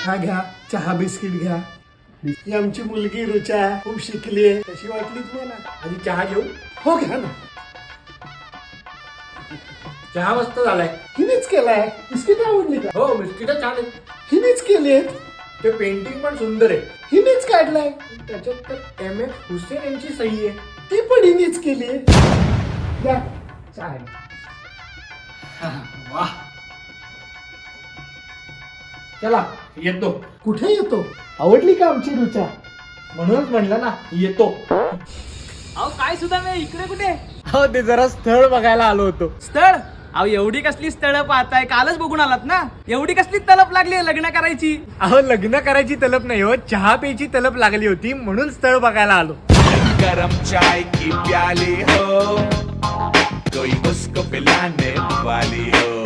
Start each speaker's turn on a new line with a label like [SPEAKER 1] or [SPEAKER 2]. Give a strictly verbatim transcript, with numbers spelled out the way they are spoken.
[SPEAKER 1] हा घ्या चहा बिस्किट घ्या. ही आमची मुलगी रुचा खूप शिकली आहे. कशी वाटली तुम्हाला?
[SPEAKER 2] आधी चहा घेऊ.
[SPEAKER 1] हो घ्या ना.
[SPEAKER 2] चहा मस्त झालाय.
[SPEAKER 1] हिनेच केलाय. बिस्किट आवडली का?
[SPEAKER 2] हो बिस्किट छान आहेत.
[SPEAKER 1] हिनेच केलीत.
[SPEAKER 2] ते पेंटिंग पण सुंदर आहे.
[SPEAKER 1] हिनेच काढलाय.
[SPEAKER 2] त्याच्यात तर एम एफ हुसेन यांची सही आहे.
[SPEAKER 1] ती पण हिनेच केली. घ्या चहा.
[SPEAKER 2] वाह. चला येतो.
[SPEAKER 1] कुठे येतो? आवडली का आमची रुचा?
[SPEAKER 2] म्हणूनच म्हणलं ना येतो.
[SPEAKER 3] अहो काय सुद्धा मी इकडे कुठे?
[SPEAKER 2] हो ते जरा स्थळ बघायला आलो होतो.
[SPEAKER 3] स्थळ? अहो एवढी कसली स्थळ पाहताय? कालच बघून आलात ना. एवढी कसली तलप लागली लग्न करायची?
[SPEAKER 2] अहो लग्न करायची तलप नाही हो, चहा प्यायची तलप लागली होती म्हणून स्थळ बघायला आलो.
[SPEAKER 4] गरम चाय की प्याली हो, कोई उसको पिलाने वाली हो.